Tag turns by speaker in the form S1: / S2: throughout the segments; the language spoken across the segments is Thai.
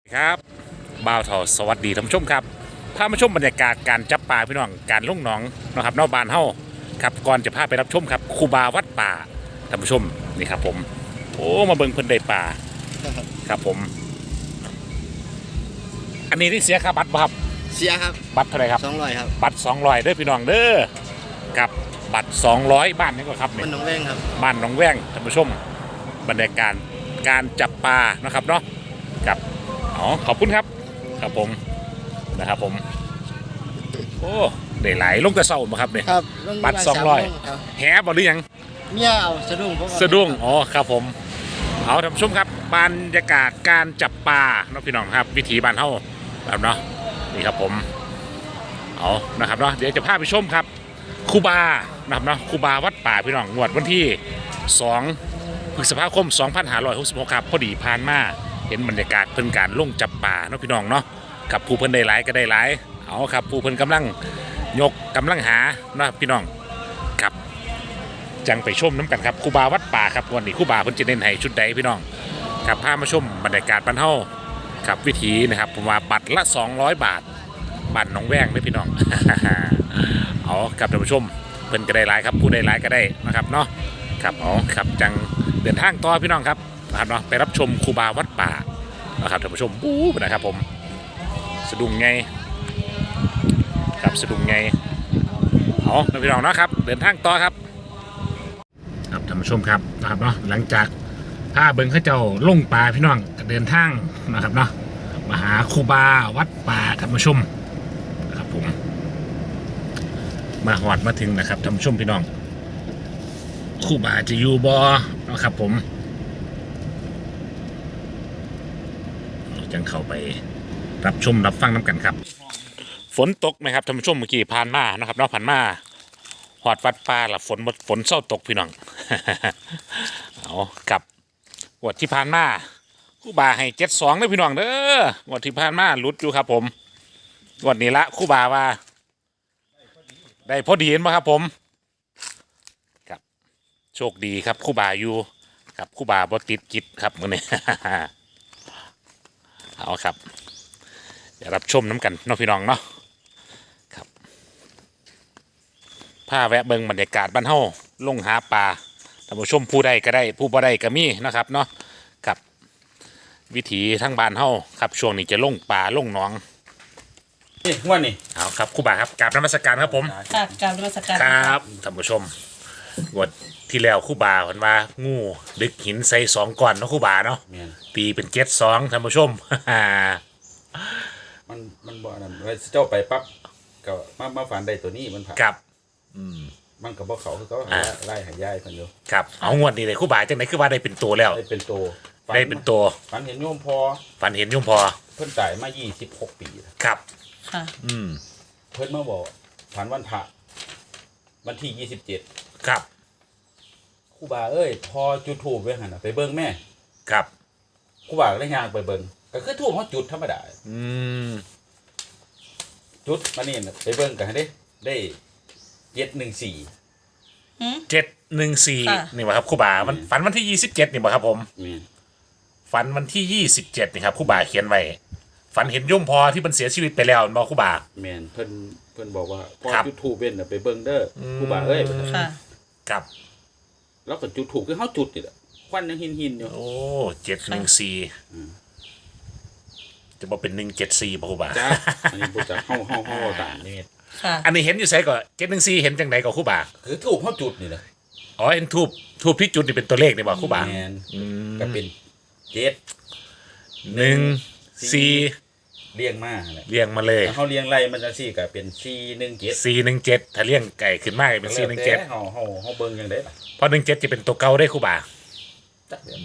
S1: ครับบ่าวทอสวัสดีท่านผู้ชมครับพามาชมบรรยากาศการจับปลาพี่น้องการลุ่งหนองนะครับนอกบ้านเฮาครับก่อนจะพาไปรับชมครับครูบาวัดป่าท่านผู้ชมนี่ครับผมโอ้มาเบิ่งเพิ่นได้ปลาครับผมอันนี้ที่เสียค่าบัตรบ่ครับ
S2: เสียครับ
S1: บัตรเท่าไหร่ครับ
S2: 200ครับ
S1: บัตร200เด้อพี่น้องเด้อกับบัตร200บ้านนี้ก็ครับ
S2: มันหนองแวงครับ
S1: บ้านหนองแว้งท่านผู้ชมบรรยากาศการจับปลานะครับเนาะกับขอบคุณครับครับผมนะครับผมโอ้ได้หลายลงกระเซ้ามาครับเนี่ย
S2: ครับ
S1: บัตร200แหบ่หรือยัง
S2: เมียเอาสะดุ้ง
S1: สะดุ้งอ๋อครับผมเอาท่านผู้ชมครับบรรยากาศการจับปลาเนาะพี่น้องครับวิถีบ้านเฮาแบบเนาะนี่ครับผมเอานะครับเนาะเดี๋ยวจะพาไปชมครับครูบานะครับเนาะครูบาวัดป่าพี่น้องงวดวันที่2 พฤษภาคม 2566ครับพอดีผ่านมาเห็นบรรยากาศเพิ่นการลงจับป่าเนาะพี่น้องเนาะกับผู้เพิ่นได้หลายก็ได้หลายเอาครับผู้เพิ่นกำลังยกกำลังหาเนาะพี่น้องครับจังไปชมน้ำกันครับครูบาวัดป่าครับวันนี้ครูบาเพิ่นจะเน้นให้ชุดใดพี่น้องครับพามาชมบรรยากาศบ้านเฮาครับวิถีนะครับผมว่าบัตรละ200 บาทบ้านหนองแว้งเด้อพี่น้อง เอาครับท่านผู้ชมเพิ่นก็ได้หลายครับผู้ได้หลายก็ได้นะครับเนาะครับครับจังเดินทางต่อพี่น้องครับนะครับเนาะไปรับชมครูบาวัดป่านะครับท่านผู้ชมบู๊นะครับผมสะดุ้งไงครับสะดุ้งไงพี่น้องเนาะครับเดินทางต่อครับครับท่านผู้ชมครับนะครับเนาะหลังจากพาเบิ้งเขาเจ้าลงป่าพี่น้องเดินทางนะครับเนาะมาหาครูบาวัดป่าท่านผู้ชมนะครับผมมาหอดมาถึงนะครับท่านผู้ชมพี่น้องครูบาจะอยู่บ่นะครับผมจังเข้าไปรับชมรับฟังน้ำกันครับฝนตกไหมครับท่านผู้ชมเมื่อกี้ผ่านมานะครับเนาะผ่านมาหอดวัดป่าละฝนเศร้าตกพี่น้อง เอากับวัดที่ผ่านมาครูบาให้72เลยพี่น้องเด้อวัดที่ผ่านมาลุดอยู่ครับผมวันนี้ละครูบาว่าได้พอดีเห็นไหมครับผมครับโชคดีครับครูบาอยู่ครับครูบาบ่ติดกิจครับมื้อนี้ เอาครับเดี๋ยวรับชมน้ำกันน้องพี่น้องเนาะครับผ้าแวะเบิงบรรยากาศบ้านเฮาลงหาปลาท่านผู้ชมผู้ใดก็ได้ผู้บ่ได้ก็มีนะครับเนาะครับวิถีทั้งบ้านเฮาครับช่วงนี้จะลงปลาลงหนอง
S2: นี่วันนี้
S1: เอาครับครูบาครับกราบนมัสการครับผม
S3: กราบนมัสการ
S1: ครับท่านผู้ชมวันที่แล้วครูบาเพิ่นว่างูดึกหินใส่2 ก้อนเนาะครูบาเนาะตีเป็น72ท่านผู้ชม
S4: มันบ่นั่นเจ้าไปปั๊บก็มาฝันได้ตัวนี้มันผ่าน
S1: ครับ
S4: มันกับบ่เขาคือเขาไล่หายายเพิ่นอยู่
S1: ครับเอางวดนี้เลยครูบาจังได๋คือว่าได้เป็นตัวแล้ว
S4: ได้เป็นตัว
S1: ได้เป็นตัว
S4: ฝันเห็นโยมพอ
S1: ฝันเห็นโยมพอ
S4: เพิ่นตายมา26 ปี
S1: ครับ
S3: ค่ะ
S4: เพิ่นมาบอกฝันวันพระวันที่27
S1: ครับ
S4: ครูบาเอ้ยพอจุดธูปไว้หั่นน่ะไปเบิ่งแม่
S1: ครับ
S4: ครูบาก็เลยย่างไปเบิ่งก็คือธูปเฮาจุดธรรมดาจุดมานี่น่ะไปเบิ่งกันได้714
S1: นี่บ่ครับครูบามันฝันวันที่27นี่บ่ครับผมฝันวันที่27นี่ครับครูบาเขียนไว้ฝันเห็นโยมพอที่มันเสียชีวิตไปแล้วบ่ครูบา
S4: แม่นเพิ่นบอกว่าพอจุดธูปเว้นน่ะไปเบิ่งเด้อครูบาเอ้ย
S3: ค่ะ
S1: ครับ
S4: แล้วก็จุดธูปคือเฮาจุดนี่แหละควันยังหินอยู่
S1: โอ้714จะบ่เป็น174บ่ครูบา
S4: จ้าอันนี้บ่จักเฮาต่างนี่
S1: อันนี้เห็นอยู่ไสก็714เห็นจังไดก็ครูบา
S4: คือธูปเฮาจุดนี่แหละ
S1: อ๋อเห็นทูบที่จุดนี่เป็นตัวเลขนี่บ่ครูบา
S4: ก็เป็น
S1: 714
S4: เรียงมา
S1: เรียงมาเลย
S4: เฮาเรียงไล่มันจังซี่ก็เป็น
S1: 417ถ้าเรียงไก่ขึ้นมาเป็น417
S4: เฮาเบิ่งจังได๋ล่ะ
S1: เพราะ17จะเป็นตัวเก่าได้ครูบา
S4: จักเดี๋ยว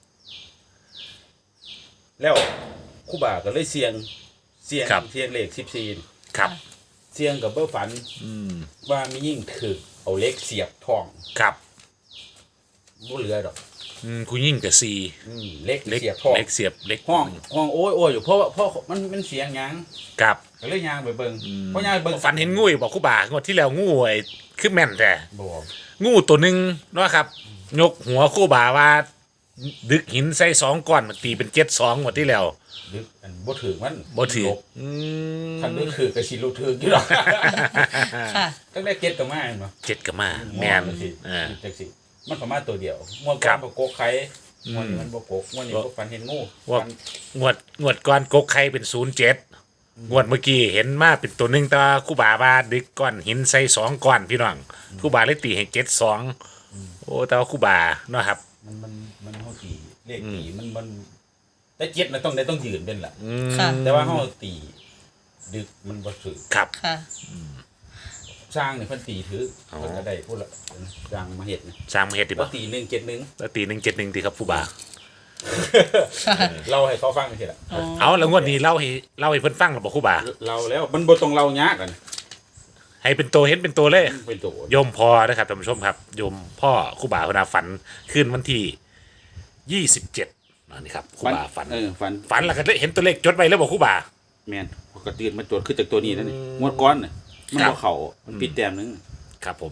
S4: แล้วครูบาก็เลยเสี่ยงเลข14
S1: ครับ
S4: เสี่ยงกับเบ้อฝันว่ามียิ่งถึกเอาเหล็กเสียบท้อง
S1: ครับ
S4: บ่เหลือดอก
S1: คุณยิ่งกับ
S4: เหล็กเสียบท้อง
S1: เหล็กเสียบเหล็ก
S4: ห้องโอ้ยอยู่เพราะมันเสียงหยัง
S1: ครับ
S4: ก็เลยย่างไปเบิ่งเพราะย่างเบิ่ง
S1: ฝันเห็นงูบอกครูบางวดที่แล้วงูไอ้คือแม่นแต่
S4: บ่
S1: งูตัวนึงเนาะครับยกหัวครูบาว่าดึกหินใส่2ก้อนมันตีเป็น72หมดที่แล้ว
S4: ดึกอันบ่ถือมัน
S1: บ่ถือ
S4: ลบคันดึกถือก็สิรู้ถืออยู่หรอก
S3: ค่ะ
S4: ตั้งแต่เก็ตก็มาเห็นบ่
S1: 7ก็มาแมน
S4: จังสิมันประมาณตัวเดียวงวด
S1: ครั
S4: ก่อบ นบ่โกกไข่งวดนี้มันบ่โกกงวดนี้บ่ฟันเห็นงู
S1: ว่า
S4: ฟัน
S1: งวดก่อนกกไข่เป็น07งวดเมื่อกี้เห็นมาเป็นตัวหนึงแต่ว่าครูบาว่าดึกก้อนหินใส่2ก้อนพี่น้องครูบาเลยตีให้72โอ้แต่ว่าครูบาเนาะครับ
S4: มันเฮาตีเลขตีมันแต่เจ็ดมันต้องยืนเป็นล่ะ
S3: ค่ะ
S4: แต่ว่าเฮาตีดึกมันบ่ถือ
S1: ครับ
S3: ค่ะ
S4: สร้างนี่เพิ่นตีถือเพิ่นก็ได้พูดละสร้างมาเฮ็ดนี่
S1: สร้างมาเฮ็ดดี
S4: บ่
S1: บ่
S4: ตี171
S1: แล้วตี171ตีครับครูบา
S4: เล่าให้เขาฟังจังซี่ล่ะ
S1: เอาแล้วงวดนี้เล่าให้เพิ่นฟังหรือบ่ครูบา
S4: เราแล้วมันบ่ต้องเล่ายากกัน
S1: ให้เป็นตัวเห็นเป็นตัวเลย
S4: เป็นตัว
S1: โยมพอนะครับท่านผู้ชมครับโยมพ่อครูบาพนาฝันขึ้นวันที่27นี่ครับครูบาฝัน
S4: ฝัน
S1: แล้วก็เห็นตัวเลขจดไว้แล้วบอกครูบา
S4: แม่นพอก็ตื่นมาตรวจคือจากตัวนี้นั่นนี่งวดก้อนน่ะมัน
S1: ครับ
S4: บ่เข้ามันปิดแต้มนึง
S1: ครับผม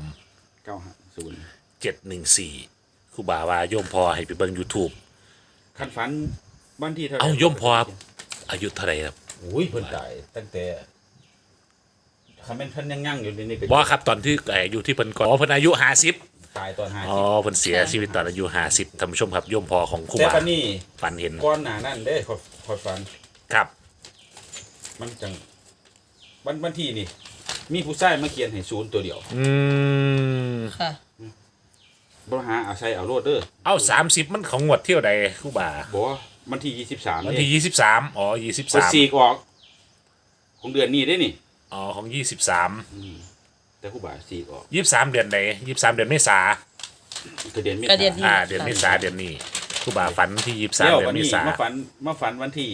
S4: 950
S1: 714ครูบาว่าโยมพอให้ไปเบิ่ง YouTube
S4: คันฝันวันที่เท่าไหร่
S1: เอ้าโยมพออายุเท่าไหร่ครับ
S4: โอ้ยเพิ่นตายตั้งแต่คันแม่นเพิ่นยังยั่งอยู่นี่ก็
S1: บ่ครับตอนที่อยู่ที่เพิ่นก่อนอ๋อเพิ่นอายุ50
S4: ตายตอน50
S1: อ๋อเพิ่นเสียชีวิตตอนอายุ50ท่านผู้ชมครับโยมพอของครู
S4: แต่
S1: บา
S4: ปานนี้
S1: ฝันเห็น
S4: ก้อนหน้านั้นเด้ขอยฝัน
S1: ครับ
S4: มันจังวันที่นี่ มีผู้ชายมาเขียนให้ศูนย์ตัวเดียว
S3: ค่ะ
S4: บ่หาเอาใส่เอาโลดเด้อ
S1: เอา30มันของงวดเที่ยวใดครูบา
S4: บอกว่าวันที่23
S1: วัน
S4: นี่
S1: ที่23อ๋อ
S4: เปิดซี
S1: 23
S4: กออก ของเดือนนี้ได้นี่
S1: อ๋อของ23
S4: แต่ผู้บ่าซีกออก
S1: 23เดือนใด23เดือนเมษา
S4: ก็เดือนเม
S3: ก็เดือน
S4: ษา
S3: นี้
S1: เดือนเมษาเดือนนี้ครูบาฝันที่23
S4: แล้ว
S1: เดือ
S4: วัน
S1: นเม
S4: นี้
S1: ษา
S4: มาฝันวันที่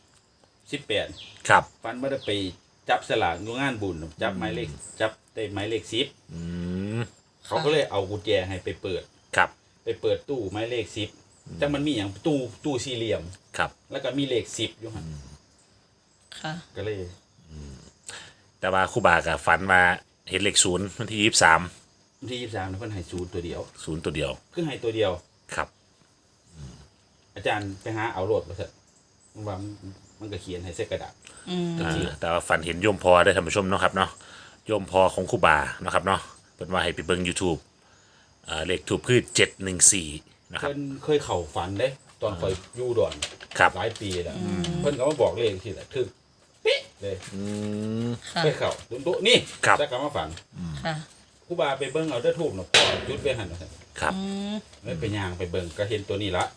S4: 18
S1: ครับ
S4: ฝันว่าได้ไปจับสลากอยู่งานบุญจับหมายเลขจับได้หมายเลข10
S1: อืม
S4: เขาก็เลยเอากุญแจให้ไปเปิด
S1: ครับ
S4: ไปเปิดตู้หมายเลข10จังมันมีหยังตู้สี่เหลี่ยม
S1: ครับ
S4: แล้วก็มีเลข10อยู่หั่น
S3: ค่ะ
S4: ก็เลย
S1: แต่ว่าครูบากับฝันมาเห็นเลข0วันที่23
S4: วันที่23เพิ่นให้ศูนย์ตัวเดียว
S1: 0ตัวเดียว
S4: คือให้ตัวเดียว
S1: ครับ
S4: อาจารย์ไปหาเอาโลดมาเถอะว่ามันก็เขียนให้ใส่กระดาษ
S3: อืม
S1: แต่ว่าฝันเห็นโยมพอได้ท่านผู้ชมเนาะครับเนาะโยมพอของครูบาเนาะครับเนาะเป็นว่าให้ไปเบิ่ง YouTube เลขถูกคือ714นะครับ
S4: เพิ่นเคยเข้าฝันเด้ตอนคอยอยู่ดอน
S1: ครับ
S4: หลายปีแล้วเพิ่นก็มาบอกเลขที่แหละถึกปิ๊ะเลย
S3: ค่ะ
S4: เคยเข้าดุๆนี่
S1: ครับ
S4: แล้วก็มาฝัน
S3: ค่ะ
S4: ครูบาไปเบิ่งเอาเด้อทูบน่ะพ่อจุดไว้หั่นน่ะ
S1: ครับ
S3: อืม
S4: เลยไปย่างไปเบิ่งก็เห็นตัวนี้ละ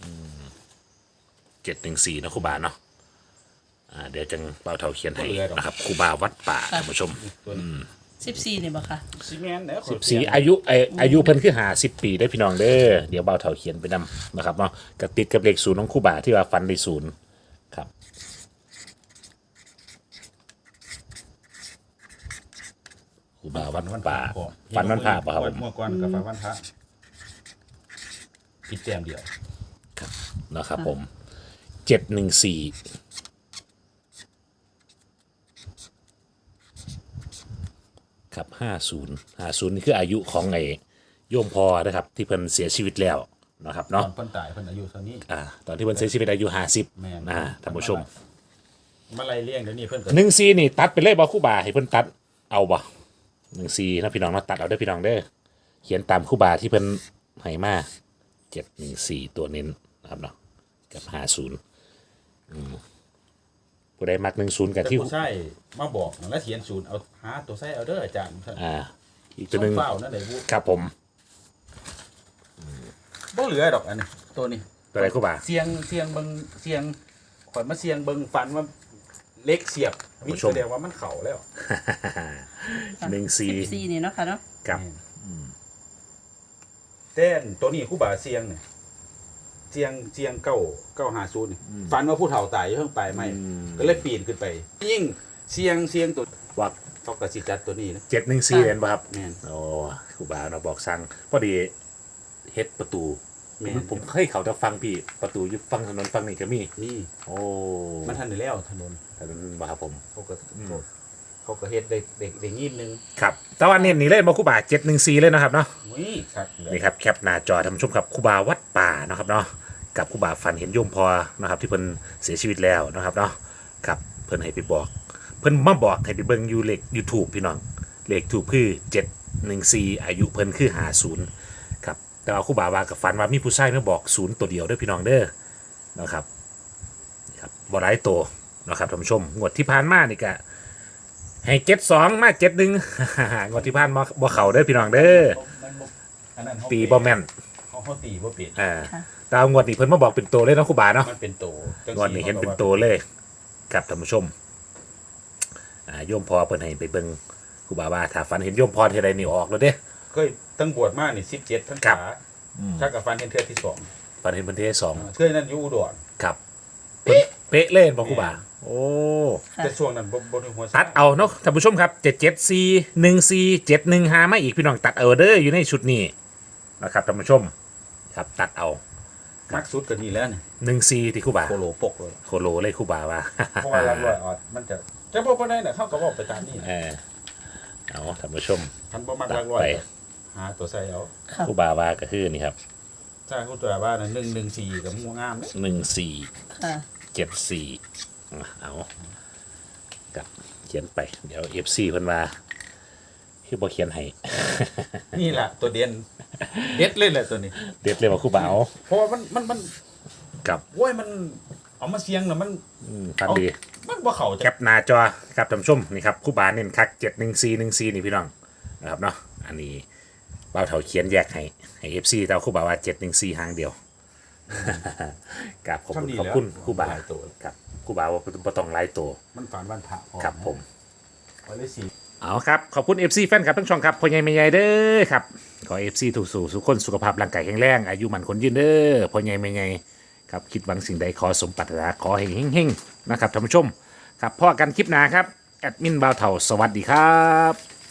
S1: 714นะครูบาเนาะเดี๋ยวจังเบาเท่าเขียนให้
S4: บ่เหลือดอก
S1: นะครับครูบาวัดป่าท่านผู้ชม
S4: ตัวนี้
S3: 14นี่บ่ค่ะ
S4: ซีเมนต์แล้ว
S1: 14อายุเพิ่นคือ50ปีได้อพี่น้องเด้อเดี๋ยวเบาเท่าเขียนไปนำนะครับเนาะก็ติดกับเลข0ของครูบาที่ว่าฝันได้0ครับครูบาวัดป่าฝันวันพระป่ะครับผม
S4: เมื่อก่อนกับฝันวันพระผิดแต้มเดียว
S1: นะครับผม714ครับ50นี่คืออายุของไอ้โยมพอนะครับที่เพิ่นเสียชีวิตแล้วนะครับ
S4: ตอ
S1: เนาะ
S4: นเพิ่นตายเพิ่นอายุเท่านี้
S1: ตอนที่เพิ่นเสียชีวิตอายุ
S4: แม่น
S1: 50ท่านผู้ชม
S4: มาไล่เลี้ยงเดี๋ยวนี้เพิ่นก็
S1: 14นี่ตัดไปเลยบ่ครู่บาให้เพิ่นตัดเอาบ่14นะพี่น้องเนาะตัดเอาเด้อพี่น้องเด้อเขียนตามครู่บาที่เพิ่นให้มา714ตัวเน้นนะครับเนาะกับ50ผู้ใดมัก10กับ
S4: แต่
S1: ที่
S4: ผู้ใช้มาบอกแล้วเขียนศูนย์เอาหาตัวใช้เอาเด้ออาจารย์
S1: อีกตัวหนึง
S4: เฝ้านั่นได้บ่
S1: ครับผม
S4: บ่เหลือดอกอันนี้ตัวนี้
S1: ตัวใดครู่บา
S4: เสียงเบิ่งเสียงข่อยมาเสียงเบิ่งฟันว่าเล็กเสียบวิ
S1: ผู้ชม
S4: แสดงว่ามันเข้าแล้ว
S1: 14
S3: 14นี่เนาะค่ะเนาะ
S1: ครับ
S4: เต้นตัวนี้ครูบาเสียงเนี่ยเสียง950นี่ฟันว่าผู้เฒ่าตายอยู่เพิ่งไปใหม่ก็เลยปีนขึ้นไปยิ่งเสียงตัว
S1: ว่า
S4: เขาก็สิจัดตัวนี้นะ
S1: 714เห็นบ่ครับ
S4: แม่น
S1: โอ้ครูบาเราบอกสั่งพอดีเฮ็ดประตู
S4: แม่น
S1: ผมเคยเขาจะฟังพี่ประตูอยู่ฟังถนนฟังนี่ก็มี
S4: นี่
S1: โอ้
S4: มันทันได้แล้วถนน
S1: ถนนบ่ครับผม
S4: เขาก็เฮ็ดได้งิ้มนึง
S1: ครับแต่ว่าเน้นนี่เลยมาครูบา714เลยนะครับเนาะ
S4: อุ้ยครับ
S1: นี่ครับแคปหน้าจอท่านผู้ชมครับครูบาวัดป่านะครับเนาะกับครูบาฝันเห็นโยมพอนะครับที่เพิ่นเสียชีวิตแล้วนะครับเนาะครับเพิ่นให้ไปบอกเพิ่นมาบอกให้ไปเบิ่งอยู่เลข YouTube พี่น้องเลขทูปคือ714อายุเพิ่นคือ50ครับแต่ว่าครูบาว่ากับฝันว่ามีผู้ชายมาบอก0ตัวเดียวเด้อพี่น้องเด้อนะครับนี่ครับบ่หลายตัวนะครับท่านผู้ชมงวดที่ผ่านมานี่ก็ให้72มา71 งวดที่ผ่านมาบ่เข้าเด้อพี่น้องเด้อ
S4: มันบ่อันนั้นเขา
S1: ตีบ่แม่น
S4: เขาตีบ่เป็น
S1: แตามงวดนี้เพิ่นมาบอกเป็นตัวเลยเนาะครูบาเนาะ
S4: มันเป็นโตจั
S1: งวดนี้เห็นเป็นตัวเลยครับท่านผู้ชมโยมพอเพิ่นให้ไปเบิ่งครูบาว่าถ้าฝันเห็นโยมพรทีไรนี่ออกแล้วเด้
S4: เคยตั้งบวชมานี่17พรร
S1: ครั
S4: ษา
S1: บ
S4: ถ้ากับฟันเห็นเทื่อที่สอง
S1: ฝันเห็นเพิ่นเทศสอง
S4: เทื่อนั้นอยู่อุดร
S1: ครับเพิ่นเป๊ะเล่นบอกครูบาโอ้
S3: ค่ะ
S4: แต่ช่วงนั้นบ่ได้หัว
S1: ตัดเอาเนาะท่านผู้ชมครับ77414 715มาอีกพี่น้องตัดเอาเด้ออยู่ในชุดนี้นะครับท่านผู้ชมครับตัดเอา
S4: มักสุดก็นี่แล้วนี่
S1: 14ที่ครูบา
S4: โคโลปกเลย
S1: โคโลเลยครูบาว่า
S4: เพราะว่ารับรอยออดมันจะบ่ได้น่ะเขาก็บอกไปตามนี่
S1: เออเอาท่านผู้ชม
S4: คันบ่มัก
S1: ตั
S4: รั
S1: ด
S4: กรอย
S1: ไป
S4: หาตัวใส่เอา
S3: ค่ะ
S1: ครูบาว่าก็คือนี่ครับ
S4: ถ้าคุณตัวว่าน่ะ114กับงูงามเด้
S1: 14
S3: ค่ะ
S1: 74เอากับเขียนไปเดี๋ยว FC เพิ่นว่าคือบ่เขียนให้
S4: นี่ล่ะตัวเด่นเด็ดเลยแหละตัวนี้
S1: เด็ดเลยว่าครูบาเอา
S4: เพราะว่ามัน
S1: กับ
S4: โอ้ยมันเอามาเสียงน่ะมัน
S1: ฟันดี
S4: มันบ่เข้า
S1: แค
S4: จะ
S1: ปหน้าจอครับท่านผู้ชมนี่ครับครู่บาเน้นคัก71414นี่พี่น้องนะครับเนาะอันนี้เบ้าเถาเขียนแยกให้ FC แต่ว่าครู่บาว่า714หางเดียวครับขอบคุณขอบคุณครู่บา
S4: หลายตัว
S1: ครับครู่บาว่าบ่ต้องหลายตัว
S4: มันฝันวันพระพอ
S1: ครับผม
S4: วันที่สี่
S1: เอาครับขอบคุณ FC แฟนครับทั้งช่องครับพ่อใหญ่แม่ใหญ่เด้อครับขอ FC ถูกสู่สุขคนสุขภาพร่างกายแข็งแรงอายุมันคนยืนเด้อพ่อใหญ่แม่ใหญ่ครับคิดหวังสิ่งใดขอสมปรารถนาขอให้เฮงๆนะครับท่านผู้ชมครับพ่อกันคลิปหน้าครับแอดมินบ่าวเถาสวัสดีครับ